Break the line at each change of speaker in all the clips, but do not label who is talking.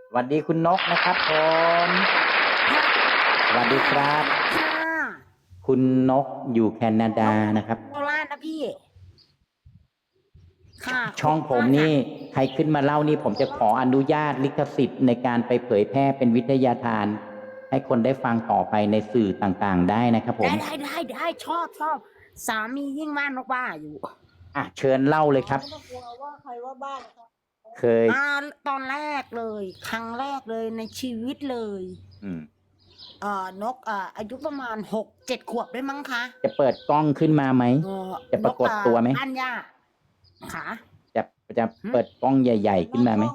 สวัสดีคุณนกนะครับผม
ค่ะ
สวัสดีครับ
ค่ะ
คุณนกอยู่แคนาดา
นก
นะครับ
โคราชนะพี่ ค่ะโค
ช่องผม
ราชค่ะ
นี่ใครขึ้นมาเล่านี่ผมจะขออนุญาตลิขสิทธิ์ในการไปเผยแพร่เป็นวิทยาทาน ให้คนได้ฟังต่อไปในสื่อต่างๆได้นะครับผม
ได้ชอบสามียิ่งว่านกว่าอยู่
เชิญเล่าเลยครับ
ไม่ต้องกลัวว่าใครว่าบ้านครับ
เคย
ตอนแรกเลย ครั้งแรกเลยในชีวิตเลย
อืม
นกอายุประมาณ6-7 ขวบได้มั้งคะ
จะเปิดกล้องขึ้นมาไหม จะปรากฏตัวไหม
บ้านย่าค่ะ
จะจะเปิดกล้องใหญ่ ๆ ขึ้นมาไหม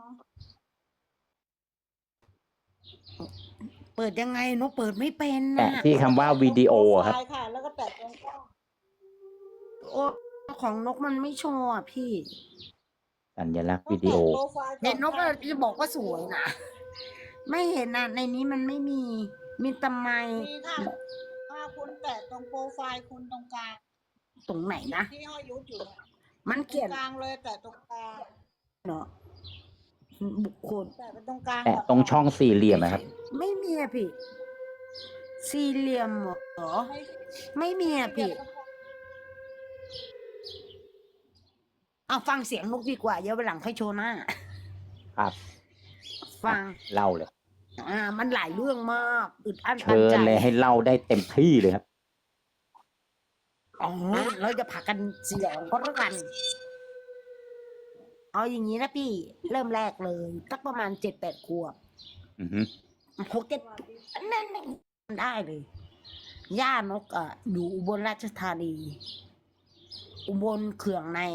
เปิดยังไงนกเปิดไม่เป็น
แตะ
นะ
ที่คำว่าวิดีโอครับ
โปไฟล์ค่ะ แล้วก็แตะตรงกล้อง
โอ้ของนกมันไม่โชว์อ่ะพี่
สัญลักษณ์วิดีโอ
แตะโปรไฟล์ก่อ
เห็นนกจะบอกว่าสวยนะ ไม่เห็นนะในนี้มันไม่มีแต่ไม
มีค่ะถ้าคุณแตะตรงโปรไฟล์คุณตรงกลาง
ตรงไหนนะ
ที่ห้อยยุทธอยู่เนี่ย
มัน
ตร
เขีย
ง
น
กลางเลยแตะตรงกลาง
เนาะบุคคล
แตะไปตรงกลาง
แตะตรงช่องสี่เหลี่ยมนะครับ
ไม่มีอะพี่ สี่เหลี่ยมเหรอ ไม่มีอะพี่ เอาฟังเสียงนกดีกว่าเดี๋ยววันหลังค่อยโชว์หน้า
ครับ
ฟัง
เล่าเลย
มันหลายเรื่องมากอึดอั้นตั
เชิ
น
ญ
ใจ
เลยให้เล่าได้เต็มที่เลยครับ
อ๋อเราจะผักกันเสียงก็แล้วกัน เอาอย่างนี้นะพี่ เริ่มแรกเลยสักประมาณ7-8 ขวบ
อือฮึ
6-7นั่นได้เลย ย่านกอยู่อุบลราชธานี อุบลเขื่องใน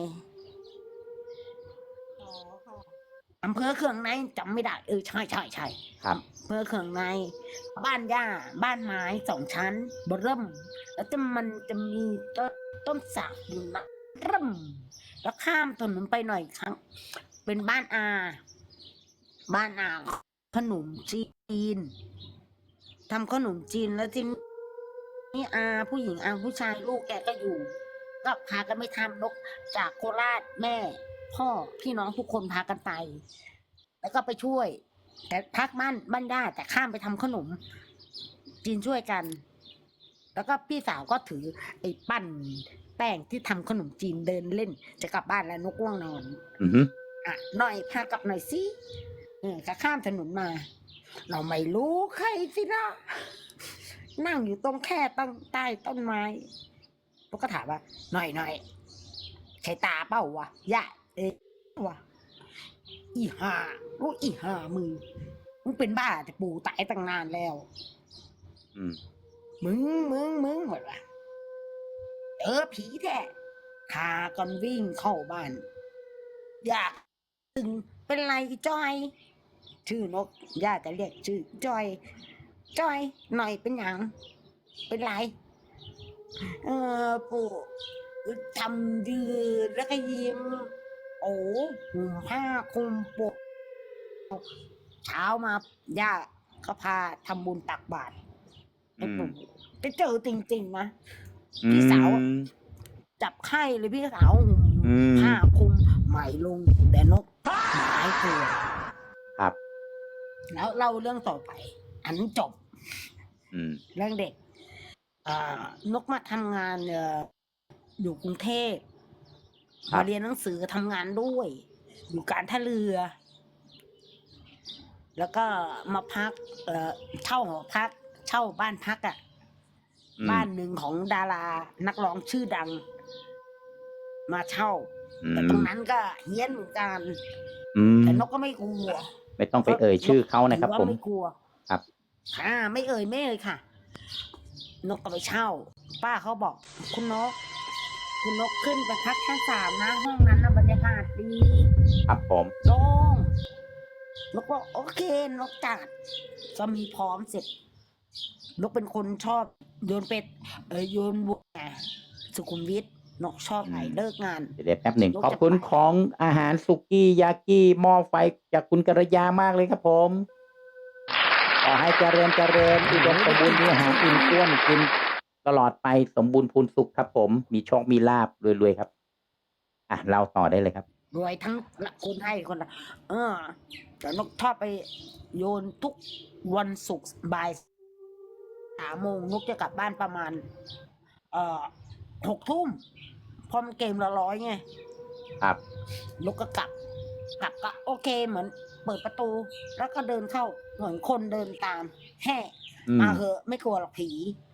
อ๋อค่ะ
อำเภอเขื่องในจำไม่ได้ใช่
ครับ
อำเภอเขื่องใน บ้านย่า บ้านไม้2 ชั้นเริ่ม แล้วมันจะมีต้นสักอยู่นะเริ่ม แล้วข้ามถนนไปหน่อยครั้ง เป็นบ้านอาขนมจีนทำขนมจีนแล้วทีนี้ผู้หญิงผู้ชายลูกแกก็อยู่ ก็พากันไปทำนกจากโคราชแม่ พ่อพี่น้องทุกคนพากันไป แล้วก็ไปช่วย แต่พักบ้านญาติแต่ข้ามไปทำขนมจีนช่วยกัน แล้วก็พี่สาวก็ถือไอ้ปั้นแป้งที่ทำขนมจีนเดินเล่น จะกลับบ้านแล้วนกง่วงนอน
อือฮึ
หน่อยพากลับหน่อยสิก็ข้ามถนนมา เราไม่รู้ใครสินะนั่งอยู่ตรงแค่ตั้งใต้ต้นไม้พวกก็ถามว่า หน่อยใช่ตาเป้าวะย่าวะอีห่าลูกอีห่ามึงเป็นบ้าแต่ปู่ตายตั้งนานแล้ว
อืม
มึงหมดว่ะผีแท้พากันวิ่งเข้าบ้าน อยากตึงเป็นไรจอย ชื่อนกย่าจะเรียกชื่อจอยหน่อยเป็นหยังเป็นไรปู่ทำยืนแล้วก็ยิ้มโอ้ห่มผ้าคลุมปกเช้ามาย่าเขาพาทำบุญตักบาตรให้ปู่ไปเจอจริงๆนะพี่สาวจับไข้เลยพี่สาวห่มผ้าคลุมใหม่ลงแต่นกหายตัว
ครับ
แล้วเล่าเรื่องต่อไป อันจบ เรื่องเด็กนกมาทำงานอยู่กรุงเทพมาเรียนหนังสือทำงานด้วย อยู่การท่าเรือ แล้วก็มาพักเช่าหอพัก เช่าบ้านพักบ้านหนึ่งของดารานักร้องชื่อดัง มาเช่าแต่ตรงนั้นก็เฮี้ยนเหมือนกันแต่นกก็ไม่กลัว
ไม่ต้องไปเอ่ยชื่อเขานะครับผม
ไม่กลัว
ครับ
ไม่เอ่ยค่ะ นกก็ไปเช่า ป้าเขาบอกคุณนกขึ้นไปพักชั้น3นะห้องนั้นนะบรรยากาศดี
ครับผม
โล่งนกบอกโอเคนกจัดก็มีพร้อมเสร็จนกเป็นคนชอบโยนเป็ดโยนบัวสุขุมวิทนกชอบไหนเลิกงาน
เดี๋ยวแป๊บหนึ่งขอบคุณของอาหารสุกี้ยากิหม้อไฟจากคุณกัลยามากเลยครับผมขอให้เจริญอุดมสมบูรณ์มีอาหารอิ่มท้วนกินตลอดไปสมบูรณ์พูนสุขครับผมมีโชคมีลาภรวยๆครับเล่าต่อได้เลยครับ
รวยทั้งคนให้คนละแต่นกชอบไปโยนทุกวันศุกร์บ่าย3 โมงนกจะกลับบ้านประมาณ6 ทุ่มพอมันเกมละ100ไง
ครับ
นกก็กลับก็โอเคเหมือนเปิดประตู แล้วก็เดินเข้าเหมือนคนเดินตามแห่
อืม
มาเหอะไม่กลัวหรอกผี